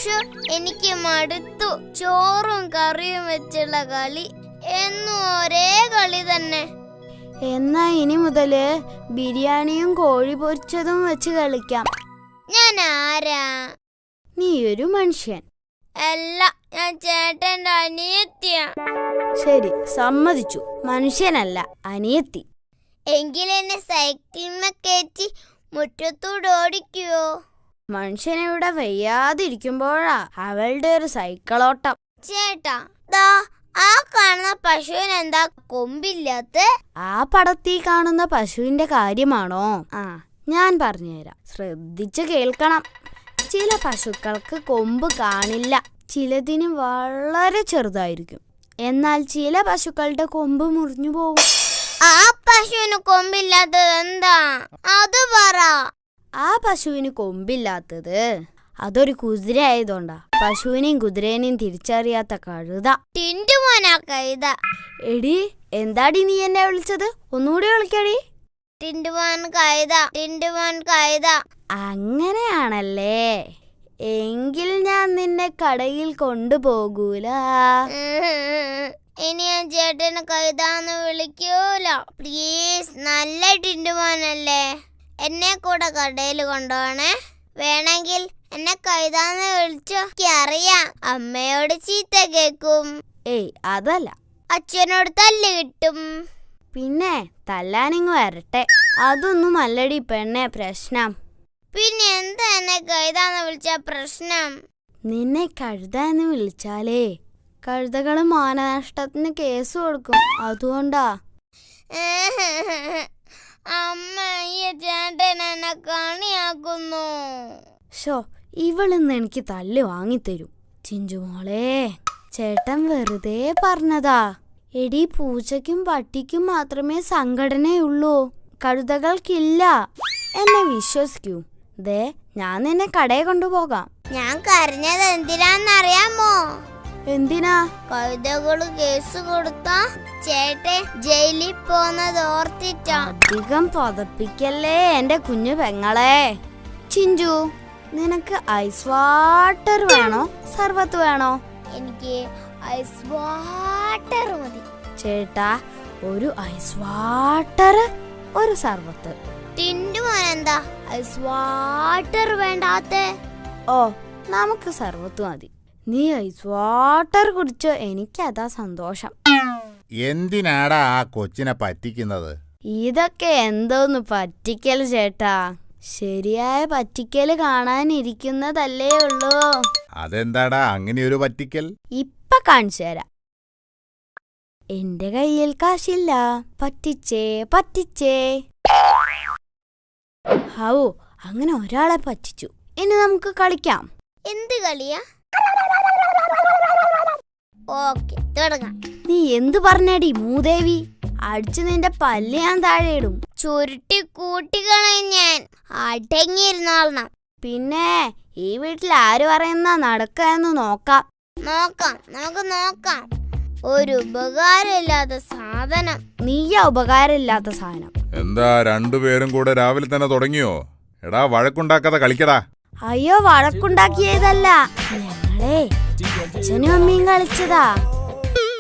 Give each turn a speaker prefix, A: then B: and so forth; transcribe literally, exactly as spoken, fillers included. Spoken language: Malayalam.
A: ഷോ എനിക്ക് മടുത്തു. ചോറും കറിയും വെച്ചുള്ള കളി എന്നും ഒരേ കളി തന്നെ.
B: എന്നാ ഇനി മുതല് ബിരിയാണിയും കോഴി പൊരിച്ചതും വെച്ച് കളിക്കാം.
A: ഞാൻ ആരാ?
B: നീ ഒരു മനുഷ്യൻ.
A: അല്ല, ഞാൻ ചേട്ടന്റെ അനിയത്തിയ.
B: ശരി, സമ്മതിച്ചു. മനുഷ്യനല്ല, അനിയത്തി.
A: എങ്കിലെന്നെ സൈക്കിളിനെ കയറ്റി മുറ്റത്തൂടെ ഓടിക്കുവോ?
B: മനുഷ്യനിവിടെ വയ്യാതിരിക്കുമ്പോഴാ അവളുടെ ഒരു സൈക്കിളോട്ടം.
A: ചേട്ടാ, ദാ ആ കാണുന്ന പശുവിന് എന്താ കൊമ്പില്ലാത്ത?
B: ആ പടത്തിൽ കാണുന്ന പശുവിന്റെ കാര്യമാണോ? ആ, ഞാൻ പറഞ്ഞുതരാം, ശ്രദ്ധിച്ചു കേൾക്കണം. ചില പശുക്കൾക്ക് കൊമ്പ് കാണില്ല. ചിലതിന് വളരെ ചെറുതായിരിക്കും. എന്നാൽ ചില പശുക്കളുടെ കൊമ്പ് മുറിഞ്ഞു പോകും.
A: ആ പശുവിന് കൊമ്പില്ലാത്തത് എന്താ? അത് പറ.
B: ആ പശുവിന് കൊമ്പില്ലാത്തത് അതൊരു കുതിര ആയതുകൊണ്ടാ. പശുവിനെയും കുതിരേനെയും തിരിച്ചറിയാത്ത കഴുത.
A: ടിന്റുമോനാ കഴുത.
B: എടി, എന്താടി നീ എന്നെ വിളിച്ചത്? ഒന്നുകൂടി വിളിക്കടി.
A: ടിന്റുമോൻ കഴുത, ടിന്റുമോൻ കഴുത.
B: അങ്ങനെയാണല്ലേ? എങ്കിൽ ഞാൻ നിന്നെ കടയിൽ കൊണ്ടുപോകൂല.
A: ഇനി ഞാൻ ചേട്ടന് കഴുതാന്ന് വിളിക്കൂല. പ്ലീസ്, നല്ല ടിന്റുമോനല്ലേ? എന്നെ കൂടെ കടയിൽ കൊണ്ടുപോണേ. വേണമെങ്കിൽ എന്നെ കഴുതാന്ന് വിളിച്ചോ. അറിയാം, അമ്മയോട് ചീത്ത കേക്കും.
B: ഏയ്, അതല്ല.
A: അച്ഛനോട് തല്ല് കിട്ടും.
B: പിന്നെ തല്ലാനിങ് വരട്ടെ. അതൊന്നും അല്ലടി പെണ്ണെ പ്രശ്നം.
A: പിന്നെ എന്താ എന്നെ കഴുതാന്ന് വിളിച്ച പ്രശ്നം?
B: നിന്നെ കഴുതാന്ന് വിളിച്ചാലേ കഴുതകള് മാനനഷ്ടത്തിന് കേസ് കൊടുക്കും. അതുകൊണ്ടാ.
A: അമ്മ, ഈ ചേട്ടൻ എന്നെ കണിയാക്കുന്നു.
B: ഷോ, ഇവളിന്ന് എനിക്ക് തല്ല് വാങ്ങിത്തരും. ചിഞ്ചുമോളെ, ചേട്ടൻ വെറുതെ പറഞ്ഞതാ. എടി, പൂച്ചയ്ക്കും പട്ടിക്കും മാത്രമേ സംഘടനയുള്ളൂ, കഴുതകൾക്കില്ല. എന്നെ വിശ്വസിക്കൂ. ദേ, ഞാൻ നിന്നെ കടയിൽ കൊണ്ടുപോകാം.
A: ഞാൻ കരഞ്ഞത് എന്തിനാന്നറിയാമോ?
B: എന്തിനാ?
A: കഴുതകള് കേസ് കൊടുത്താ ചേട്ടൻ ജയിലിൽ പോന്നത് ഓർത്തിട്ടാ.
B: അധികം പതപ്പിക്കല്ലേ എന്റെ കുഞ്ഞു പെങ്ങളെ. ചിഞ്ചു, നിനക്ക് ഐസ് വാട്ടർ വേണോ സർബത്ത് വേണോ?
A: എനിക്ക് ഐസ് വാട്ടർ മതി.
B: ചേട്ടാ, ഒരു ഐസ് വാട്ടർ, ഒരു സർബത്ത്.
A: ടിന്റുമോൻ എന്താ ഐസ് വാട്ടർ വേണ്ടാത്ത?
B: ഓ, നമുക്ക് സർബത്ത് മതി. നീ ഐസ് വാട്ടർ കുടിച്ചോ, എനിക്കതാ സന്തോഷം.
C: എന്തിനാടാ ആ കൊച്ചിനെ പറ്റിക്കുന്നത്?
B: ഇതൊക്കെ എന്തോന്ന് പറ്റിക്കൽ ചേട്ടാ. ശരിയായ പറ്റിക്കല് കാണാനിരിക്കുന്നതല്ലേ ഉള്ളൂ.
C: അതെന്താടാ അങ്ങനെ ഒരു പറ്റിക്കൽ?
B: ഇപ്പൊ കാണിച്ചു തരാം. എന്റെ കയ്യിൽ കാശില്ല, പറ്റിച്ചേ പറ്റിച്ചേ. ഹൗ, അങ്ങനെ ഒരാളെ പറ്റിച്ചു. ഇനി നമുക്ക് കളിക്കാം.
A: എന്ത് കളിയാ? ഓക്കെ, തുടങ്ങാം.
B: നീ എന്തു പറഞ്ഞടി മൂദേവി? അടിച്ചു നിന്റെ പല്ല് ഞാൻ താഴെ ഇടും.
A: ചുരുട്ടി കൂട്ടിക്കളെ ഞാൻ. അടങ്ങിയിരുന്നോളണം.
B: പിന്നെ ഈ വീട്ടിൽ ആര് പറയുന്ന നടക്കാന്ന് നോക്കാം.
A: നോക്കാം, നമുക്ക് നോക്കാം. ഒരു ഉപകാരമില്ലാത്ത സാധനം.
B: നീയാ ഉപകാരമില്ലാത്ത സാധനം.
C: എന്താ രണ്ടുപേരും കൂടെ രാവിലെ തന്നെ തുടങ്ങിയോ? എടാ, വഴക്കുണ്ടാക്കാതെ കളിക്കടാ.
B: അയ്യോ, വഴക്കുണ്ടാക്കിയതല്ല, ഞങ്ങളെ അച്ഛനും അമ്മയും കളിച്ചതാ.